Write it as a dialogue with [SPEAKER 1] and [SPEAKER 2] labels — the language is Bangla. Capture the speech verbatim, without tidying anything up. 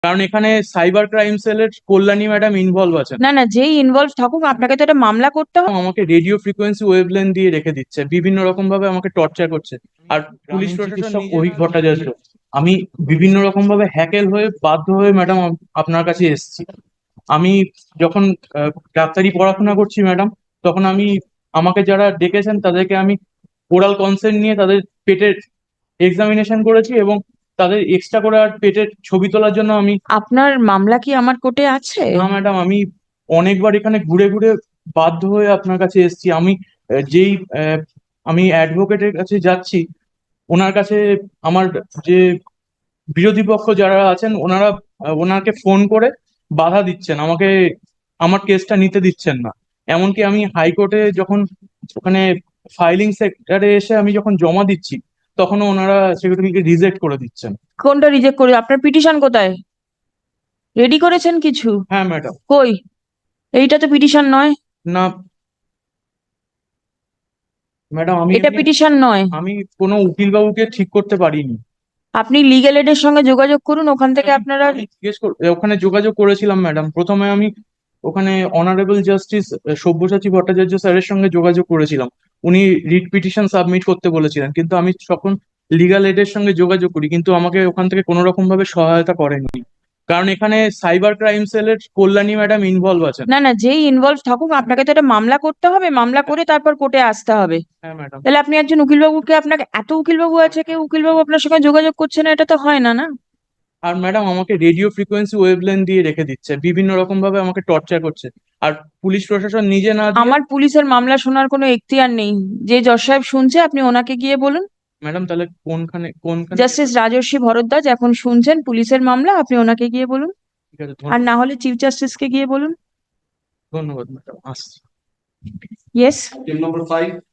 [SPEAKER 1] কারণ এখানে সাইবার ক্রাইম সেলের কল্যাণী ম্যাডাম ইনভলভ আছেন।
[SPEAKER 2] না না, যেই ইনভলভ থাকুক আপনাকে তো একটা মামলা করতে হবে।
[SPEAKER 1] আমাকে রেডিও ফ্রিকোয়েন্সি ওয়েভলেন দিয়ে রেখে দিচ্ছে, বিভিন্ন রকম ভাবে আমাকে টর্চার করছে। আর পুলিশ প্রশাসন ওই ভট্টাচার্য, আমি বিভিন্ন রকম ভাবে হ্যাকেল হয়ে বাধ্য হয়ে ম্যাডাম আপনার কাছে এসেছি। আমি যখন আহ, ডাক্তারি পড়াশোনা করছি ম্যাডাম, তখন আমি আমাকে যারা ডেকেছেন তাদেরকে আমি ওরাল কনসেন্ট নিয়ে তাদের পেটের এক্সামিনেশন করেছি, এবং তাদের এক্সট্রা করে আর পেটের ছবি তোলার জন্য আমি।
[SPEAKER 2] আপনার মামলা কি আমার কোর্টে আছে?
[SPEAKER 1] না ম্যাডাম, আমি অনেকবার এখানে ঘুরে ঘুরে বাধ্য হয়ে আপনার কাছে এসেছি। আমি আহ, যেই আহ, আমি অ্যাডভোকেটের কাছে যাচ্ছি, ওনার কাছে আমার যে বিরোধী পক্ষ যারা আছেন ওনারা আহ, ওনাকে ফোন করে বাধা দিচ্ছেন, আমাকে আমার কেসটা নিতে দিচ্ছেন না। এমনকি আমি হাইকোর্টে যখন ওখানে ফাইলিং সেক্টরে এসে আমি যখন জমা দিচ্ছি, তখনও ওনারা সেগুলোকে রিজেক্ট করে দিচ্ছেন।
[SPEAKER 2] কোনটা রিজেক্ট করে? আপনার পিটিশন কোথায়? রেডি করেছেন কিছু?
[SPEAKER 1] হ্যাঁ ম্যাডাম।
[SPEAKER 2] কই? এইটা তো পিটিশন নয়।
[SPEAKER 1] না ম্যাডাম, আমি
[SPEAKER 2] এটা
[SPEAKER 1] এমনি
[SPEAKER 2] পিটিশন নয়।
[SPEAKER 1] আমি কোনো উকিল বাবুকে ঠিক করতে পারিনি।
[SPEAKER 2] আপনি লিগ্যাল এডের সঙ্গে যোগাযোগ করুন, ওখান থেকে আপনারা।
[SPEAKER 1] আমি জিজ্ঞেস কর- ওখানে যোগাযোগ করেছিলাম ম্যাডাম। প্রথমে আমি ওখানে অনারেবল জাস্টিস সব্যসাচী ভট্টাচার্য স্যারের সঙ্গে যোগাযোগ করেছিলাম। উনি রিট পিটিশন সাবমিট করতে বলেছিলেন, কিন্তু আমি তখন লিগাল এডের সঙ্গে যোগাযোগ করি, কিন্তু আমাকে ওখান থেকে কোনো রকম ভাবে সহায়তা করেনি। কারণ এখানে সাইবার ক্রাইম সেলের কল্যাণী ম্যাডাম ইনভলভ আছেন।
[SPEAKER 2] না না, যেই ইনভলভ থাকুক আপনাকে তো একটা মামলা করতে হবে, মামলা করে তারপর কোর্টে আসতে হবে।
[SPEAKER 1] হ্যাঁ ম্যাডাম।
[SPEAKER 2] তাহলে আপনি একজন উকিলবাবুকে, আপনাকে এত উকিলবাবু আছে, কেউ উকিলবাবু আপনার সঙ্গে যোগাযোগ করছে না, এটা তো হয় না না।
[SPEAKER 1] আর ম্যাডাম আমাকে রেডিও ফ্রিকোয়েন্সি ওয়েভলেন দিয়ে রেখে দিচ্ছে, বিভিন্ন রকম ভাবে আমাকে টর্চার করছে। আর পুলিশ প্রশাসন নিজে না দিয়ে।
[SPEAKER 2] আমার পুলিশের মামলা শোনার কোনো এখতিয়ার নেই। যে জজ সাহেব শুনছে আপনি ওনাকে গিয়ে বলুন।
[SPEAKER 1] ম্যাডাম তাহলে কোনখানে কোনখানে
[SPEAKER 2] জাস্টিস রাজর্ষি ভরদ্বাজ এখন শুনছেন পুলিশের মামলা, আপনি ওনাকে গিয়ে বলুন।
[SPEAKER 1] ঠিক আছে,
[SPEAKER 2] আর
[SPEAKER 1] ধন্যবাদ।
[SPEAKER 2] না হলে চিফ জাস্টিসকে গিয়ে বলুন।
[SPEAKER 1] ধন্যবাদ ম্যাডাম, আসছি।
[SPEAKER 2] ইয়েস।
[SPEAKER 1] Number five.